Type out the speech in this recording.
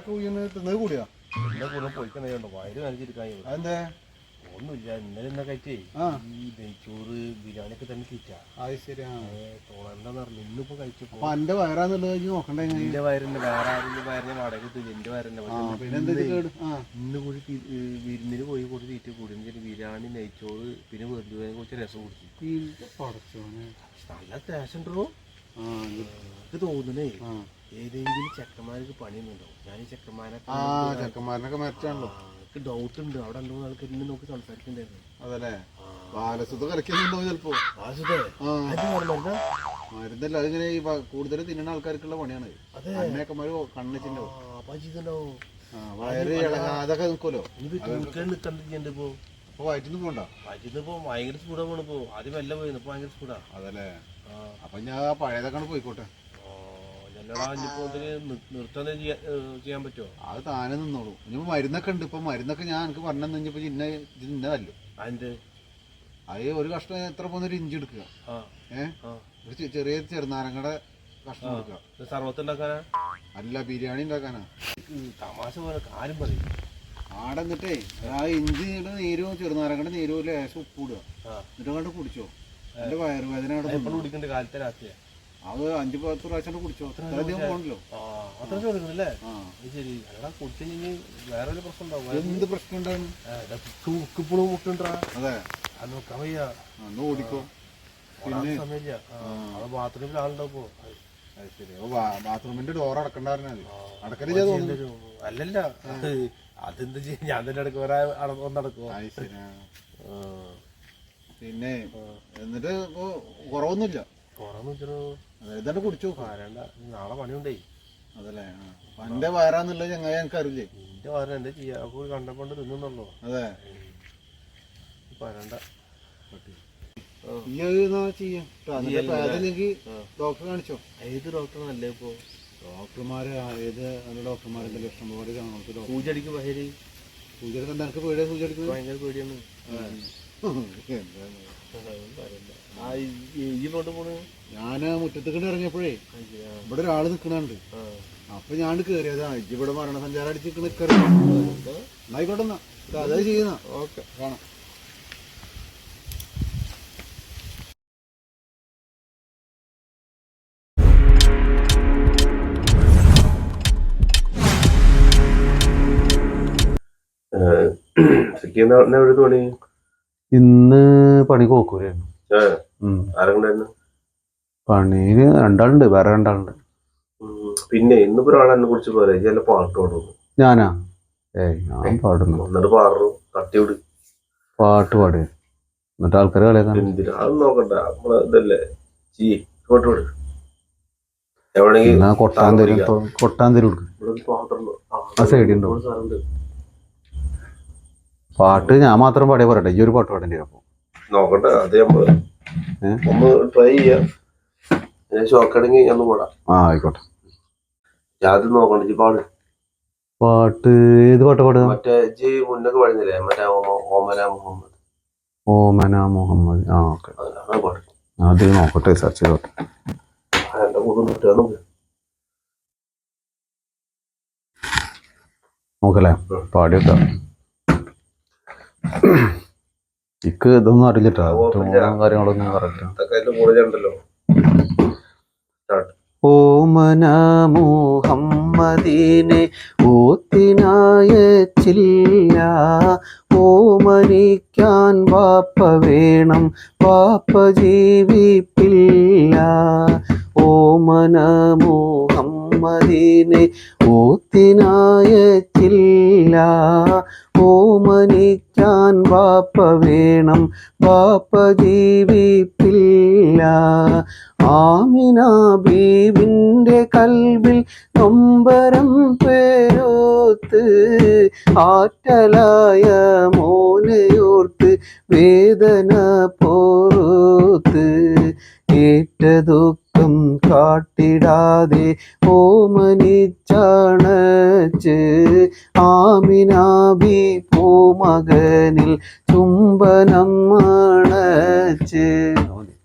തിന്നത് കൂടിയാ എന്റെ കൂടെ പോയിക്കണ്ടോ വയറ് കാണിച്ചിരിക്കാൻ അതെന്താ ഒന്നുമില്ല ഇന്നലെ ഇന്ന കഴിച്ചേ ഈ നെയ്ച്ചോറ് ബിരിയാണി ഒക്കെ തന്നെ തീറ്റാ അത് ശരി തോന്നണ്ടെന്ന് പറഞ്ഞു ഇന്നിപ്പോ കഴിച്ചപ്പോ അപ്പൊ എന്റെ വയറാന്നുള്ളത് നോക്കണ്ടേ എന്റെ വയറിന്റെ വേറെ ആരെങ്കിലും വയറിനെ വാടക കിട്ടില്ല എന്റെ വയറിന്റെ ഇന്ന് കൂടി വിരുന്നിന് പോയി കൂടി തീറ്റ കൂടി ബിരിയാണി നെയ്ച്ചോറ് പിന്നെ വെറുതെ കുറച്ച് രസം കുടിച്ചു നല്ല ടേസ്റ്റ് ഉണ്ടോ എനിക്ക് തോന്നുന്നേ ഏതെങ്കിലും ചെക്കന്മാർക്ക് പണിയൊന്നുണ്ടോ ഞാൻ ഈ ചെക്കന്മാരനൊക്കെ മരിച്ചാണല്ലോ ഡൗട്ട് ഉണ്ട് അവിടെ രണ്ടു മൂന്ന് ആൾക്കാർ ഇന്നെ നോക്കി സംസാരിക്കണ്ടായിരുന്നു അതല്ലേ ബാലസുദ്ധ കലക്കുന്നുണ്ടോ ചിലപ്പോ മരുന്നല്ല അതിങ്ങനെ ഈ കൂടുതൽ തിന്നുന്ന ആൾക്കാർക്കുള്ള പണിയാണ് അന്നേക്കന്മാര് കണ്ണിച്ചിണ്ടാവും വയറ് അതൊക്കെ നിൽക്കുമല്ലോ നിൽക്കണ്ടിപ്പോ അപ്പൊ വയറ്റിന്ന് പോണ്ട വയറ്റിന്ന് ഇപ്പൊ ഭയങ്കര സ്പീഡാ പോണിപ്പോ ആദ്യം വല്ല പോയി ഇപ്പൊ ഭയങ്കര സ്പീഡാ അതല്ലേ അപ്പൊ ഞാൻ പഴയതൊക്കെ പോയിക്കോട്ടെ നിർത്താൻ ചെയ്യാൻ പറ്റുമോ അത് താനെ നിന്നോളൂ ഇനിയിപ്പോ മരുന്നൊക്കെ ഉണ്ട് ഇപ്പൊ മരുന്നൊക്കെ ഞാൻ എനിക്ക് പറഞ്ഞു കഴിഞ്ഞപ്പോ ഇന്നതല്ലോ അതിന്റെ അത് ഒരു കഷ്ണം എത്ര പോകുന്ന ഇഞ്ചി എടുക്കുക ഒരു ചെറിയ ചെറുനാരങ്ങയുടെ കഷ്ണം എടുക്കുക സർവത്ത് ഉണ്ടാക്കാനാ അല്ല ബിരിയാണി ഉണ്ടാക്കാനാ തമാശ പോലെ കാര്യം പറയും ആടെ എന്നിട്ടേ ആ ഇഞ്ചിയുടെ നീരും ചെറുനാരങ്ങയുടെ നീരും ലേശം ഉപ്പ് ഇടുക എന്നിട്ട് കണ്ട് കുടിച്ചോ എന്റെ വയറുവേദന അവിടെ കുടിക്കേണ്ട കാലത്തെ രാത്രിയാ അത് 5-10 പ്രാവശ്യം കുടിച്ചോ അധികം പോകണല്ലോ അത്ര ചോദിക്കണല്ലേ ശരി അല്ല കുടിച്ചു വേറെ പ്രശ്നം ഉണ്ടാവും എന്ത് പ്രശ്നം ഉണ്ടാവും തൂക്കിപ്പുളും മുട്ടുണ്ടാ അതെ അത് നോക്കാൻ വയ്യ അന്ന് ഓടിക്കോ പിന്നെ സമയമില്ല ബാത്റൂമിൽ ആളുണ്ടാവോ അത് ശരി ബാത്റൂമിന്റെ ഡോർ അടക്കണ്ടായിരുന്നു അടക്കല് ചെയ്തോ അല്ലല്ല അതെന്താ ചെയ്യാ ഞാൻ തന്നെ അടക്കും വേറെ ഒന്നടക്കുവോ പിന്നെ എന്നിട്ട് ഇപ്പൊ കുറവൊന്നുമില്ല ഇതാണ്ട് കുടിച്ചു നാളെ പണിയുണ്ടേ അതല്ലേ എന്റെ വയറാന്നുള്ളത് ചങ്ങായി എനിക്ക് അറിയില്ലേ എന്റെ വയറ് എന്താ ചെയ്യാ കണ്ടപ്പോണ്ട് തിന്നുന്നുള്ളൂ അതെ പറയണ്ട ചെയ്യാം ഡോക്ടറെ കാണിച്ചോ ഏത് ഡോക്ടറാണല്ലേ ഇപ്പൊ ഡോക്ടർമാര് ഏത് നല്ല ഡോക്ടർമാരുണ്ടല്ലോ ഇഷ്ടംപോലെ കാണും സൂചിക്ക് പഹരി സൂചിക്ക് എന്താ എനിക്ക് പേടിയാ സൂചിക്ക് ഭയങ്കര പേടിയാണ് ഞാന് മുറ്റത്തേക്കിട്ട് ഇറങ്ങിയപ്പോഴേ ഇവിടെ ഒരാള് നിക്കണുണ്ട് അപ്പൊ ഞാൻ കേറിയതാ ഇവിടെ മരണസഞ്ചാരം അടിച്ച് നിക്കറി എന്നായിക്കോട്ടെ എന്നാ അതാ ചെയ്യുന്ന ഓക്കെ കാണാം ഇന്ന് പണി കോക്കൂരായിരുന്നു പണിയില് രണ്ടാളുണ്ട് വേറെ രണ്ടാളുണ്ട് പിന്നെ ഇന്നിപ്പോ ഒരാളെന്നെ കുറിച്ച് പറയാ ചില പാട്ട് പാടുന്നു ഞാനാ ഞാൻ പാടുന്നു എന്നിട്ട് പാടുന്നു തട്ടിവിട് പാട്ട് പാടുക എന്നിട്ട് ആൾക്കാർ കളിയാക്കാൻ എന്തിനാ അത് നോക്കണ്ട നമ്മളെ ഇതല്ലേ ഇങ്ങോട്ട് വിട് കൊട്ടാന്തരി ആ സൈഡിൽ പാട്ട് ഞാൻ മാത്രം പാടിയ പറയട്ടെ ഈ ഒരു പാട്ട് പാടേണ്ടി അപ്പൊ നോക്കട്ടെ അത് നമ്മള് ഒന്ന് ട്രൈ ചെയ്യാം ഷോക്കടങ്ങി ഒന്ന് പാടാം ആയിക്കോട്ടെ അത് നോക്കണ്ട പാട് പാട്ട് ഏത് പാട്ട് പാടുക മറ്റേ ജി മുന്നൊക്കെ പാടുന്നില്ലേ മറ്റേ ഓമന മുഹമ്മദ് ഓമന മുഹമ്മദ് ഓക്കെ അത് നോക്കട്ടെ സെർച്ച് ചെയ്തോട്ടെ നോക്കല്ലേ പാടിയൊക്കെ ഇക്ക് ഇതൊന്നും അറിയില്ലട്ടോ കാര്യങ്ങളൊന്നും പറഞ്ഞിട്ടുണ്ടല്ലോ ഓമന മുഹമ്മദീനെ ഓത്തിനായച്ചില്ല ഓമനിക്കാൻ വാപ്പ വേണം വാപ്പ ജീവിപ്പില്ല ഓമന മുഹമ്മദീനെ ഓത്തിനായച്ചില്ല ഓമനിക്കാൻ വാപ്പ വേണം വാപ്പ ജീവിപ്പില്ല ആമിന ബീവിന്റെ കൽവിൽ നൊമ്പരം പേരോത്ത് ആറ്റലായ മോനയോർത്ത് വേദന പോർത്ത് ഏറ്റ ദുഃഖം കാട്ടിടാതെ ഓമനിച്ചണച്ച് ആമിനാബി പൂമകനിൽ ചുംബനം മണച്ച്